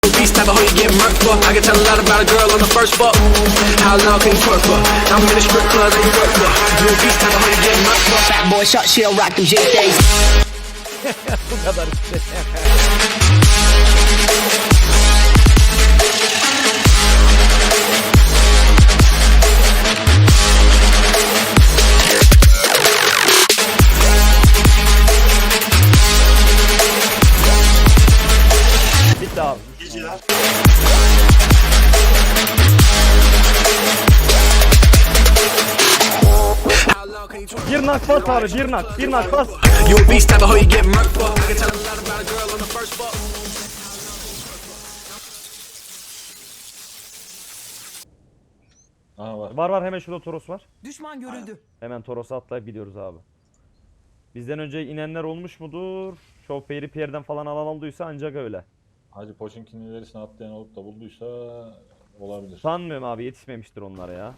Beast type of hoe you get murked for. I can tell a lot about a girl on the first fuck. How long can you twerk for? I'm in the strip club that you work for. You a beast type of hoe you get murked for. Fat boy shot, she'll rock them J-Days. Bu kadar işte. Bitti abi. Geceler. How long can you twerk? Bir nak bas abi, bir nak bas. You a beast type of hoe you get murked for. I can tell a lot about a girl on the first fuck. Aha var. Var hemen şurada Toros var. Düşman görüldü. Hemen Toros'a atlayıp gidiyoruz abi. Bizden önce inenler olmuş mudur? Şoförü Pierre'den falan alan olduysa ancak öyle. Hacı Poçinki'nin ilerisine atlayan olup da bulduysa olabilir. Sanmıyorum abi, yetişmemiştir onlara ya.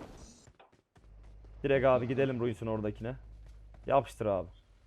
Direkt abi gidelim Ruins'in oradakine. Yapıştır abi.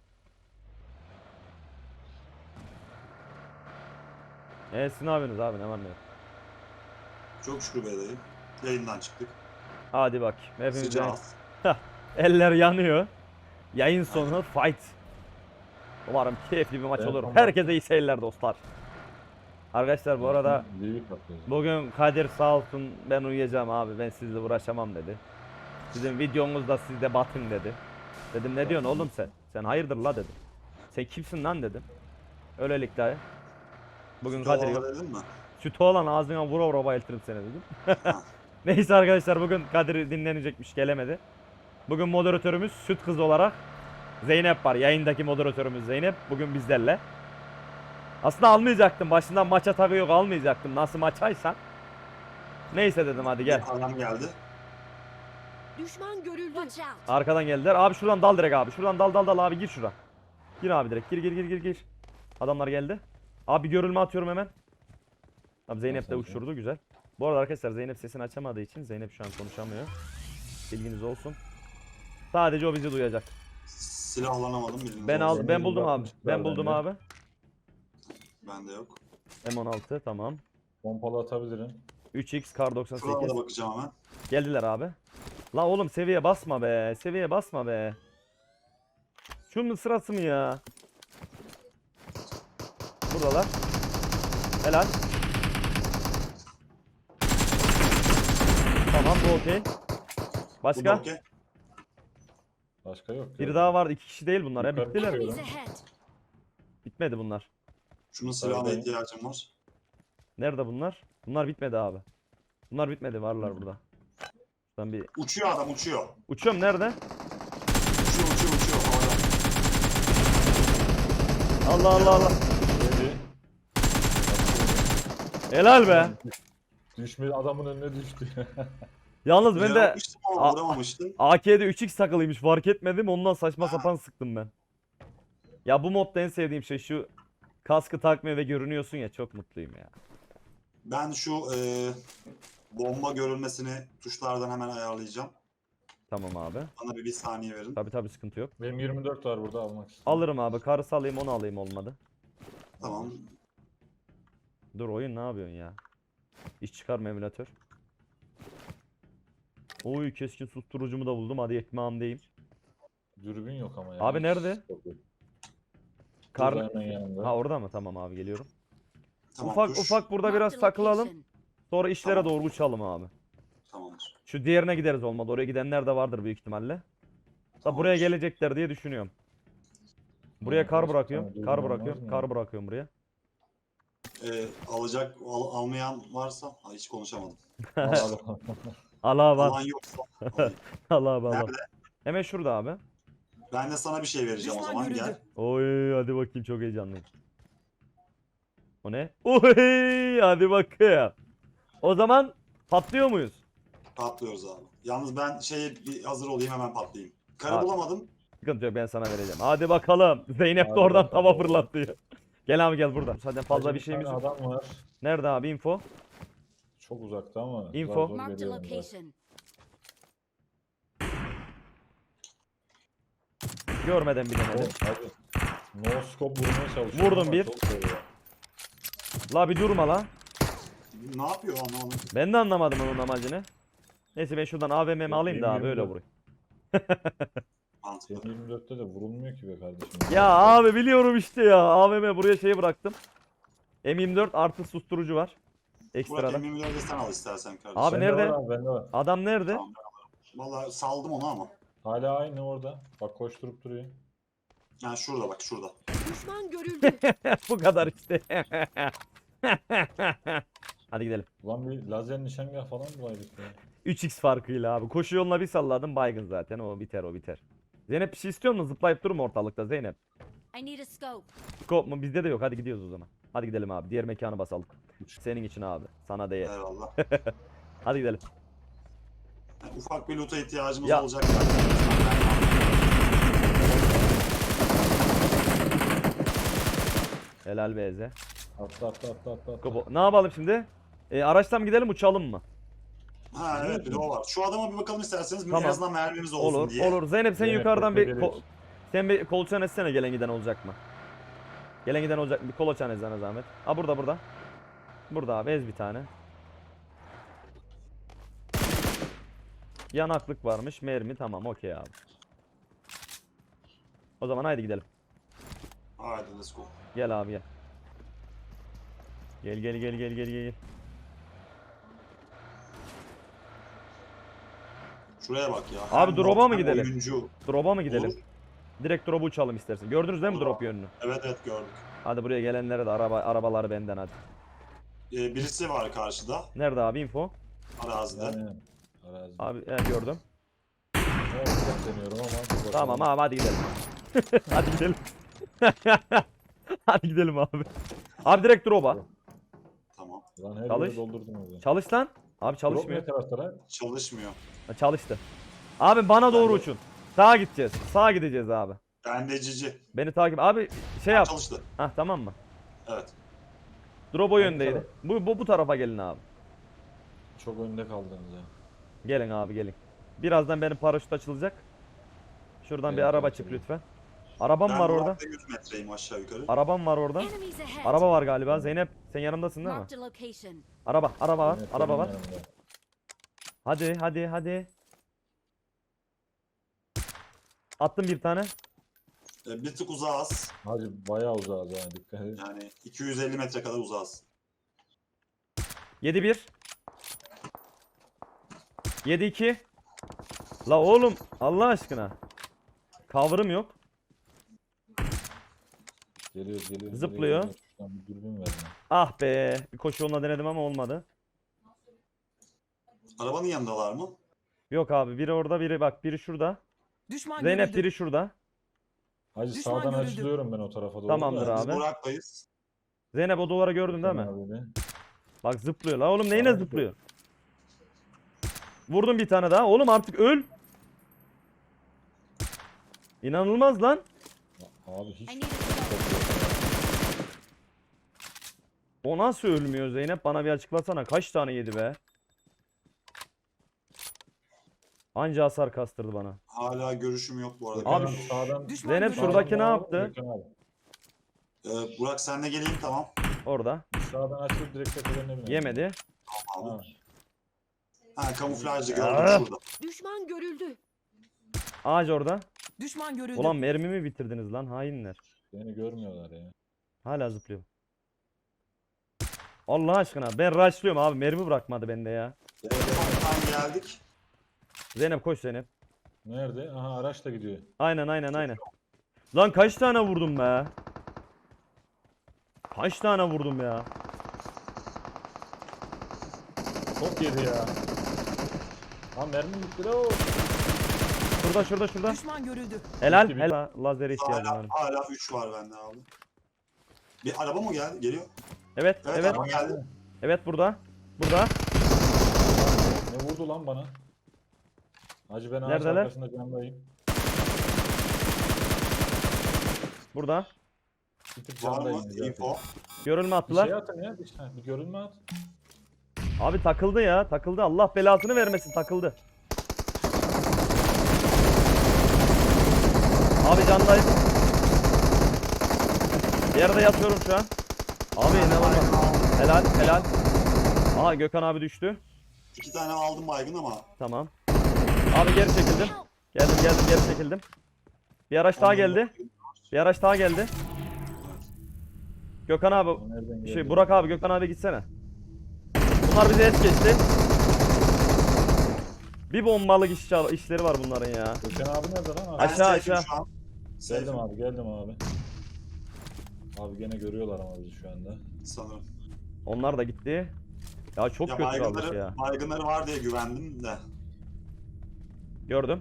Siz ne yapıyorsunuz abi, ne var ne yok? Çok şükür bedayım. Yayından çıktık. Hadi bak. Hepimiz Sıcağız. eller yanıyor. Yayın sonu fight. Umarım keyifli bir maç Evet, olur. tamam. Herkese iyi seyirler dostlar. Arkadaşlar bu arada Büyük atlıyoruz. bugün Kadir sağ olsun, ben uyuyacağım abi, ben sizle uğraşamam dedi. Sizin videonuzda siz de batın dedi. Dedim ne diyorsun oğlum sen? Sen hayırdır la dedim. Sen kimsin lan dedim. Öylelikle bugün Kadir yok. Dedin mi? Sütü olan ağzına vura vura bayıltırım seni dedim. Neyse arkadaşlar, bugün Kadir dinlenecekmiş, gelemedi. Bugün moderatörümüz süt kızı olarak Zeynep var. Yayındaki moderatörümüz Zeynep bugün bizlerle. Aslında almayacaktım. Başından maça tabi yok, almayacaktım. Nasıl maçaysan. Neyse dedim hadi gel. Adam geldi. Düşman görüldü. Watch out. Arkadan geldiler. Abi şuradan dal direkt abi. Şuradan dal abi, gir şura. Gir abi direkt. Gir. Adamlar geldi. Abi görülme atıyorum hemen. Abi Zeynep de uçurdu, güzel. Bu arada arkadaşlar Zeynep sesini açamadığı için Zeynep şu an konuşamıyor. Bilginiz olsun. Sadece o bizi duyacak. Silahlanamadım bildiğiniz Ben olsun. ben buldum abi. Ben Bende. buldum abi. Bende yok. M16 tamam. Pompalı atabilirim. 3x kar Şurada 98. da bakacağım hemen. Geldiler abi. La oğlum seviye basma be. Seviye basma be. Şunun sırası mı ya? Buradalar. Helal. Tamam bu okey. Bu Başka? da okey. Başka yok. Bir daha var. 2 kişi değil bunlar. Yukarı Bittiler. çıkıyor. Enemies ahead. Bitmedi bunlar. Şunun silahına Tabii. ihtiyacım var. Nerede bunlar? Bunlar bitmedi abi. Bunlar bitmedi, varlar burada. Ben bir Uçuyor adam uçuyor. uçuyorum, nerede? Uçuyor. Havada. Allah. Öyle. Helal be. Düşme adamın önüne düştü. Yalnız ben Güzel de yapmıştım ama A- vuramamıştım. AK'de 3x takılıymış, fark etmedim, ondan saçma sapan sıktım ben. Ya bu modda en sevdiğim şey şu kaskı takmıyor ve görünüyorsun ya, çok mutluyum ya. Ben şu bomba görülmesini tuşlardan hemen ayarlayacağım. Tamam abi. Bana bir saniye verin. Tabi sıkıntı yok. Benim 24 var burada almak istedim. Alırım abi, karısı alayım, onu alayım, olmadı. Tamam. Dur oyun, ne yapıyorsun ya? İş çıkarma emülatör. Oy, keskin susturucumu da buldum, hadi ekmeğimdeyim. Dürbün yok ama ya. Abi nerede? Kar... Burada hemen yanında. Ha orada mı? Tamam abi, geliyorum. Tamam Ufak tuş. burada biraz Marked takılalım. location. Sonra işlere Tamam. doğru uçalım abi. Tamamdır. Şu diğerine gideriz olmadı. Oraya gidenler de vardır büyük ihtimalle. Da Tamamdır. buraya gelecekler diye düşünüyorum. Buraya kar Tamam, bırakıyorum. tamam, Kar olmaz bırakıyorum. mı? Kar bırakıyorum buraya. Almayan varsa hiç konuşamadım. Al. Al abi al. Alan yoksa alayım. Al abi al. Nerede? Hemen şurada abi. Ben de sana bir şey vereceğim o Düşman zaman görüldü. gel. Oy hadi bakayım, çok heyecanlıyım. O ne? Oy hadi bakayım. O zaman patlıyor muyuz? Patlıyoruz abi. Yalnız ben bir hazır olayım hemen patlayayım. Karı Abi. bulamadım. Sıkıntı yok, ben sana vereceğim. Hadi bakalım. Zeynep de Hadi oradan bakalım. tava fırlatıyor. Gel abi gel burada. Zaten fazla Hacı bir şeyimiz tane yok. adam var. Nerede abi info? Çok uzakta ama. Info. zar zor Marked a geliyorum ben. location. Görmeden bilemedim. Hadi. No scope vurmaya çalışıyor. Vurdum ama bir. çok zor ya. La bir durma la. Ne yapıyor anlamadım. Ben de anlamadım onun amacını. Neyse ben şuradan AVM'mi alayım da abi öyle M24. vurayım. Mantıklı. M24'te de vurulmuyor ki be kardeşim. Ya abi biliyorum işte ya. AVM buraya şeyi bıraktım. M24 artı susturucu var. Burak Ekstradan. M24'de sen al istersen kardeşim. Abi Bende nerede? var abi, bende var. Adam nerede? Tamam. Valla saldım onu ama. Hala aynı orada. Bak koşturup duruyor. Yani şurada bak şurada. Düşman görüldü. Bu kadar işte. Hadi gidelim. Ulan bir lazer nişangah falan bulaydık ya. 3x farkıyla abi. Koşu yoluna bir salladım baygın zaten. O biter o biter. Zeynep bir şey istiyor musun? Zıplayıp durma ortalıkta Zeynep. I need a scope. Scope mu? Bizde de yok. Hadi gidiyoruz o zaman. Hadi gidelim abi. Diğer mekanı basalım. Senin için abi. Sana değer. Eyvallah. Hadi gidelim. Yani ufak bir loot'a ihtiyacımız Ya. olacak. Helal be Eze. Atla. Ne yapalım şimdi? Araçtan mı gidelim uçalım mı? Ha evet bir de o var. Şu adama bir bakalım isterseniz. Tamam. En azından mermimiz olsun Olur diye. olur. Zeynep sen Zeynep, yukarıdan bekle, bir geliyoruz. sen bir kolaçan etsene gelen giden olacak mı? Gelen giden olacak mı? Bir kolaçan etsene zahmet. Ha burada. Burada abi ez bir tane. Yanaklık varmış. Mermi tamam okey abi. O zaman haydi gidelim. Haydi let's go. Gel abi gel. Gel. Şuraya bak ya. Abi Hem drop'a bot mı hem gidelim? oyuncu. Drop'a mı gidelim? Olur. Direkt drop'u uçalım istersen. Gördünüz değil mi Olur drop abi. yönünü? Evet gördük. Hadi buraya gelenlere de arabaları benden hadi. Birisi var karşıda. Nerede abi info? Arazide. Aynen. Arazi. Abi gördüm. Ama çok deniyorum ama. dur bakalım. Tamam abi hadi gidelim. Hadi gidelim. Hadi gidelim abi. Abi direkt drop'a. Tamam. Lan her Çalış. yeri doldurdum orada. Çalış lan. Abi Drop çalışmıyor. ne taraflara? Çalışmıyor. Ha, çalıştı. Abi bana doğru Ben de- uçun. Sağa gideceğiz. Sağa gideceğiz abi. Bende cici. Beni takip. Abi şey yap. Çalıştı. Hah tamam mı? Evet. Drop o Hangi yöndeydi. taraf? Bu tarafa gelin abi. Çok önde kaldınız ya. Gelin abi gelin. Birazdan benim paraşüt açılacak. Şuradan bir Evet, araba evet, çık evet. lütfen. Arabam Ben var orada. Burak'ta 100 metreyim aşağı yukarı. Arabam var orada. Enemies ahead. Araba var galiba. Zeynep sen yanımdasın değil mi? Marked a location. Araba var. Evet, Araba benim var. yanımda. Hadi. Attım bir tane. Bir tık uzağız. Hacı bayağı uzağız ha, dikkat et. Yani 250 metre kadar uzağız. 7-1. 7-2. La oğlum Allah aşkına. Cover'ım yok. Geliyoruz. Zıplıyor. geliyoruz. Şuradan bir dürbün ver bana. Ah be. Bir koşu yoluna denedim ama olmadı. Arabanın yanındalar mı? Yok abi biri orada biri şurada. Düşman Zeynep görüldü. biri şurada. Hacı Düşman sağdan görüldü. açılıyorum ben o tarafa doğru. Tamamdır da. Biz abi. Burak'tayız. Zeynep o duvarı gördün değil mi? Abi de. Bak zıplıyor la oğlum neyine Abi. zıplıyor? Vurdum bir tane daha. Oğlum artık öl. İnanılmaz lan. Abi hiç I need a scope. O nasıl ölmüyor Zeynep? Bana bir açıklasana. Kaç tane yedi be? Anca hasar kastırdı bana. Hala görüşüm yok bu arada. Gökhan Abi, sağdan. Düşman Zeynep görüldü. şuradaki ne Sağdan yaptı? Gökhan abi. Burak senle geleyim tamam. Orada. Sağdan açılıp direkt tepelerine binelim. Yemedi. Abi. Ha. Ha kamuflajlı Ah. gördüm şurada. Düşman görüldü. Ağaç orada. Düşman görüldü. Ulan mermimi bitirdiniz lan hainler. Beni görmüyorlar ya. Hala zıplıyor. Allah aşkına ben rushlıyorum abi mermi bırakmadı bende ya. Ufaktan geldik. Zeynep koş Zeynep. Nerede? Aha araç da gidiyor. Aynen. Lan kaç tane vurdum be? Kaç tane vurdum ya? Çok yedi ya. Ha mermi bitti la o. Şurada. Düşman görüldü. Helal. Bitti. Helal. Lazere ihtiyacım var. Hala 3 var bende abi. Bir araba mı geldi? Geliyor. Evet. Evet, araba geldi. Evet burada. Ne vurdu lan bana? Hacı ben ağaç Neredeler? arkasında camdayım. Burada. Bir tık Var mı? camdayım zaten. Info. Görülme Bir attılar. şey atın ya. Bir görünme at. Abi takıldı ya. Takıldı. Allah belasını vermesin. Takıldı. Abi candayım. Yerde yatıyorum şu an. Abi inanılmaz. Helal. Aa Gökhan abi düştü. 2 tane aldım baygın ama. Tamam. Abi geri çekildim. Geldim geri çekildim. Bir araç daha geldi. Bir araç daha geldi. Gökhan abi O nereden geldi? Burak abi Gökhan abi gitsene. Bunlar bize es geçti. Bir bombalık işleri var bunların ya. Gökhan abi nerede lan? Ben Aşağı, safe'im aşağı. şu an. Geldim abi, geldim abi. Abi gene görüyorlar ama bizi şu anda. Sanırım. Onlar da gitti. Ya çok Ya kötü kalmış ya. baygınları var diye güvendim de. Gördüm.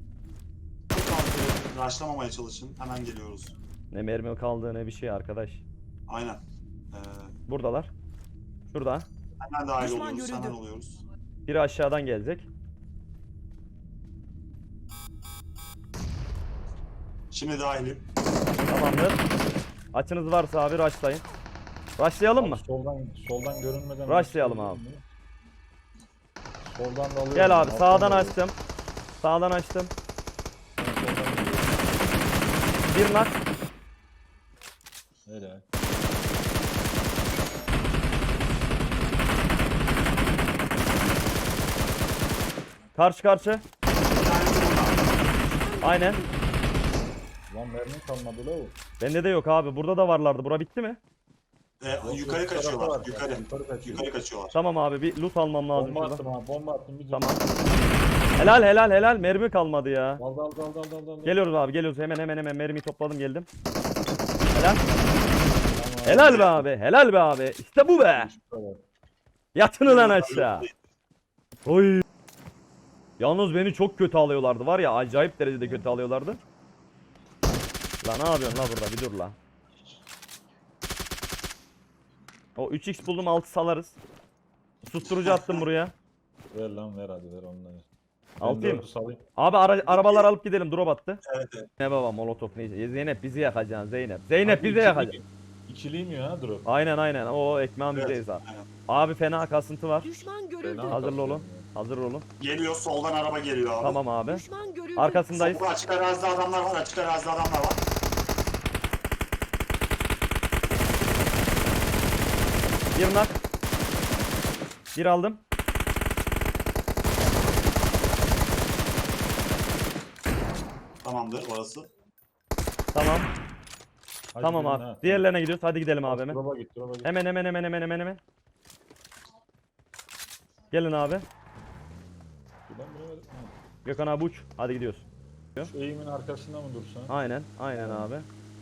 Raşlamamaya çalışın. Hemen geliyoruz. Ne mermi kaldı ne bir şey arkadaş. Aynen. Buradalar. Şurada. Hemen dahil Düşman oluyoruz. görüldü. Hemen oluyoruz. Biri aşağıdan gelecek. Şimdi dahilim. Tamamdır. Açınız varsa abi rushlayın. Rushlayalım mı? Abi soldan görünmeden. Rushlayalım abi. Soldan da alıyorum. Gel abi alttan sağdan da alıyorum. açtım. Sağdan açtım. Ben soldan geliyorum. Bir nak. Helal. Karşı karşı. Bir tanesi burada. Aynen. Lan mermi kalmadı la o. Bende de yok abi. Burada da varlardı. Bura bitti mi? Yukarı Yok, tarafta kaçıyorlar. var. Yukarı. Yukarı kaçıyor. Yukarı kaçıyorlar. Tamam abi bir loot almam lazım Bomba şuradan. attım abi, bomba attım. Bir Tamam. Helal. Mermi kalmadı ya. Dal. Geliyoruz abi geliyoruz. Hemen mermiyi topladım geldim. Helal. Helal be abi. Helal be abi. İşte bu be. Yatın ulan aşağı. Oy. Yalnız beni çok kötü alıyorlardı var ya acayip derecede kötü alıyorlardı. La ne yapıyorsun la burada bir dur la. O 3x buldum 6 salarız. Susturucu attım buraya. Ver lan ver hadi ver onları. Altayım. Ben 4'ü salayım. Abi arabalar alıp gidelim drop attı. Evet. Ne baba molotof neyse. Zeynep bizi yakacaksın Zeynep. Zeynep bizi yakacaksın. İkiliyim ya drop. Aynen o ekmeğin bizdeyiz abi. Aynen. Abi fena kasıntı var. Düşman görüldü. Fena Hazırlı kasıyorum olun. ya. Hazır olun. Geliyor soldan araba geliyor abi. Tamam abi. Düşman görüldü. Arkasındayız. Solda açık arazide adamlar var. Açık arazide adamlar var. Bir nak. Bir aldım. Tamamdır orası. Tamam. Hadi Tamam gidelim abi. ha. Diğerlerine gidiyoruz. Hadi gidelim abi hemen. Drop'a git drop'a git. Hemen. Gelin abi. Buradan bilemedim. Ha. Gökhan abi uç. Hadi gidiyoruz. Şu eğimin arkasında mı dursan? Aynen abi.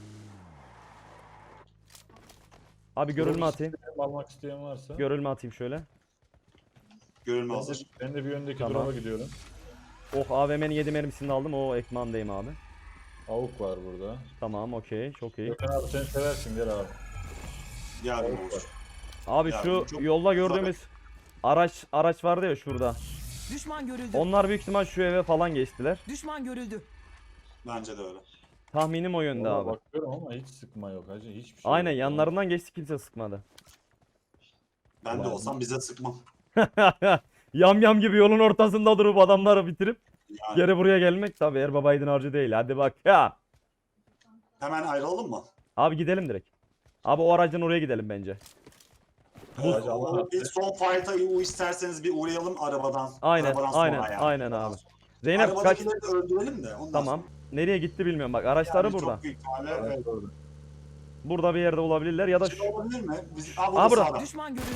Abi görülme atayım. Almak isteyen varsa. Görülme atayım şöyle. Görülme Ben hazır. de, ben de bir öndeki Tamam. drop'a gidiyorum. Oh AVM'nin 7 mermisini de aldım. O ekmağındayım abi. Avuk var burada. Tamam okey. Çok iyi. Gökhan abi sen seversin gel abi. Yardım Avuk var. olur. Abi Ya, şu çok yolda gördüğümüz araç vardı ya şurada. Düşman görüldü. Onlar büyük ihtimal şu eve falan geçtiler. Düşman görüldü. Bence de öyle. Tahminim o yönde Valla abi. bakıyorum ama hiç sıkma yok hacı hiçbir şey Aynen yok. yanlarından geçti kimse sıkmadı. Ben de Ulan. olsam bize sıkmam. Yam gibi yolun ortasında durup adamları bitirip Yani. geri buraya gelmek tabi Erbabaydın harcı değil. Hadi bak ya. Hemen ayrılalım mı? Abi gidelim direkt. Abi o aracın oraya gidelim bence. Hacı Allah Bir son fight'a isterseniz bir uğrayalım arabadan. Aynen Arabadan sonra yani. aynen abi. Zeynep kaç? Arabadakileri de öldürelim de. Ondan Tamam. Nereye gitti bilmiyorum bak araçları sonra. burada. Çok büyük ihtimalle Evet, evet. doğru. Burada bir yerde olabilirler ya da Şey olabilir mi? Aa, Burada burada. sağda. Düşman görüldü.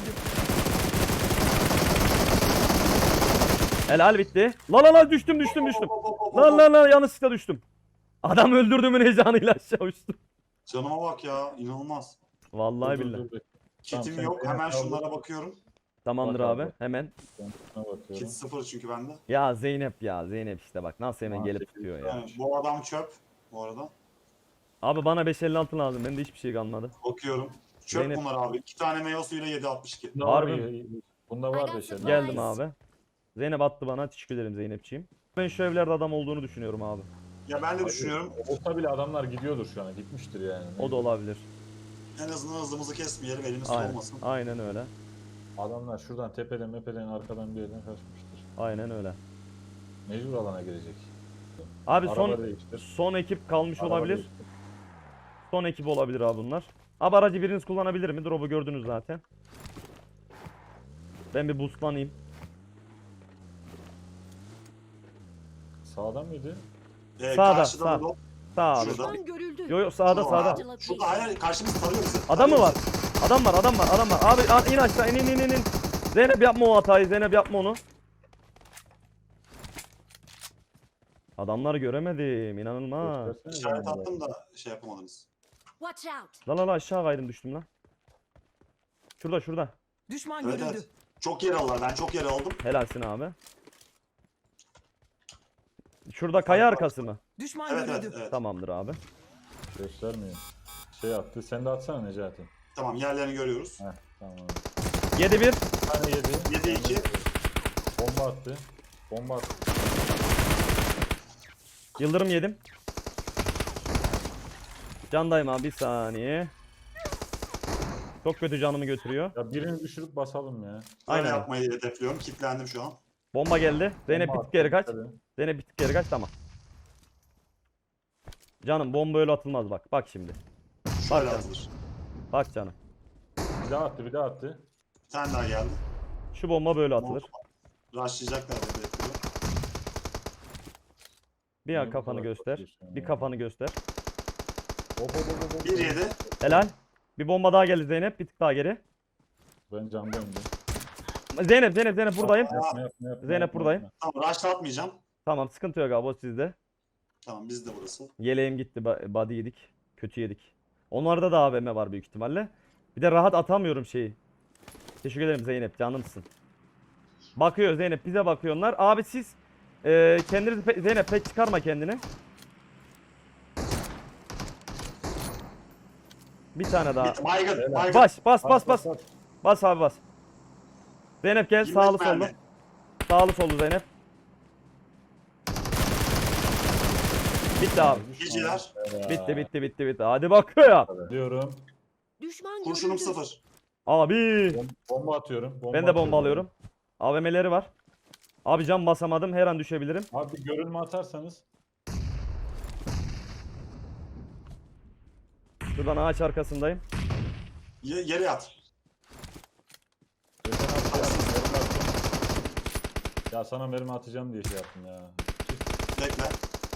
helal bitti. La düştüm. La yanlışlıkla düştüm. Adam öldürdüğümün heyecanıyla aşağı uçtum. Canıma bak ya inanılmaz. Vallahi Dur, billahi. dur. Kitim sen yok beni hemen kaldır. şunlara bakıyorum. Tamamdır Bak abi abi. hemen. Ben şuna bakıyorum. Kit 0 çünkü bende. Ya Zeynep işte bak nasıl hemen Aa, gelip sekiz tutuyor ya. Yani bu adam çöp bu arada. Abi bana 556 lazım. Bende hiçbir şey kalmadı. Bakıyorum. Çöp Zeynep- bunlar abi. 2 tane meyve suyuyla 7.62. Bunda Harbi var mi? ya, Bunda var I da got şeyler. supplies. Geldim abi. Zeynep attı bana. Teşekkür ederim Zeynepçiğim. Ben şu evlerde adam olduğunu düşünüyorum abi. Ya ben de Hacı, düşünüyorum. Olsa bile adamlar gidiyordur şu an. Gitmiştir yani. O da olabilir. En azından hızımızı kesmeyelim elimiz Aynen. olmasın. Aynen öyle. Adamlar şuradan tepeden mepeden arkadan bir yerden kaçmıştır. Aynen öyle. Mecbur alana girecek. Abi Araba değiştir. son ekip kalmış Araba olabilir. değiştir. Son ekip olabilir abi bunlar. Abi aracı biriniz kullanabilir mi? Drop'u gördünüz zaten. Ben bir boostlanayım. Sağdan mıydı? Sağda, Karşıda sağ. da Sağ abi. Şurada. Düşman görüldü. Yo yo sağda Şurada. sağda. Şurada hayır karşımız tarıyor bizi. Adam mı var? Tarıyor bizi. Adam var, adam var, adam var. Abi in aşağı, in. Zeynep yapma o hatayı, Zeynep yapma onu. Adamları göremedim, inanılmaz. Göstersene İşaret bana attım biraz. da şey yapamadınız. Watch out. La aşağı kaydım düştüm lan. Şurada. Düşman Evet görüldü. evet. Çok yer aldılar. Ben çok yer aldım. Helalsin abi. Şurada kaya arkası mı? Düşman Evet görüldü. evet evet. Tamamdır abi. Göstermiyor. Şey attı. Sen de atsana Necati. Tamam yerlerini görüyoruz. Heh tamam. 7-1. Bir tane yedi. 7-2. Bomba attı. Bomba attı. Yıldırım yedim. Candayım abi bir saniye. Çok kötü canımı götürüyor. Ya birini düşürüp basalım ya. Öyle Aynen. yapmayı hedefliyorum. Kitlendim şu an. Bomba geldi. Zeynep bir Bomba tık attı. geri kaç. Hadi. Zeynep bir tık geri kaç, tamam. Canım bomba öyle atılmaz bak. Bak şimdi. Şöyle canım. atılır. Bak canım. Bir daha attı, bir daha attı. Bir tane daha geldi. Şu bomba böyle atılır. Rushlayacaklar diye bekliyorum. Bir Niye bu kafanı kadar göster. korkuyorsun Bir ya? kafanı göster. Hop. 1-7. Helal. Bir bomba daha geldi Zeynep. Bir tık daha geri. Ben camdayım. Zeynep buradayım. Yapma. Zeynep buradayım. Tamam rushlatmayacağım. Tamam sıkıntı yok abi, o sizde. Tamam bizde burası. Yeleğim gitti. Body yedik. Kötü yedik. Onlarda da AVM var büyük ihtimalle. Bir de rahat atamıyorum şeyi. Teşekkür ederim Zeynep, canımsın. Bakıyor Zeynep, bize bakıyorlar. Abi siz kendinizi Zeynep pek çıkarma kendini. Bir tane daha. Baygın. Baygın. Bas. Bas abi bas. Zeynep gel, 25 sağlı sollu. mermi. Sağlı sollu Zeynep. Bitti abi. Geceler. Bitti. Hadi bakıyor. Diyorum. Düşman Kurşunum görüldü. 0. Abi. Bomba atıyorum. Ben de bomba alıyorum. AVM'leri var. Abi cam basamadım. Her an düşebilirim. Abi bir görünme atarsanız. Şuradan ağaç arkasındayım. Yere yat. Geçen hafta yaptım, mermi attım. Ya sana mermi atacağım diye şey yaptım ya. Bekle.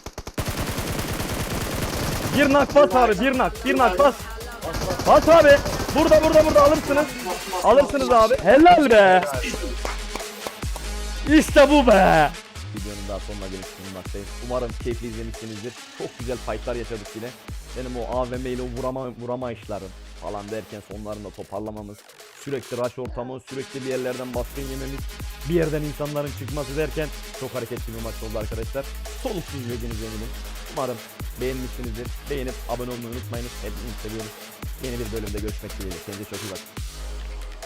Bir nak bas abi. Bir nak bas. Bas abi. Burada alırsınız. Alırsınız abi. Helal be. İşte bu be. Videonun daha sonuna gelip bulunmaktayım. Umarım keyifli izlemişsinizdir. Çok güzel fightlar yaşadık yine. Benim o AVM ile vurama işlerim falan derken sonlarında toparlamamız, sürekli rush ortamı, sürekli bir yerlerden baskın yememiz, bir yerden insanların çıkması derken çok hareketli bir maç oldu arkadaşlar. Soluksuz izlediğiniz eminim. Umarım beğenmişsinizdir. Beğenip abone olmayı unutmayınız. Hepinizi seviyoruz. Yeni bir bölümde görüşmek dileğiyle. Kendinize çok iyi bakın.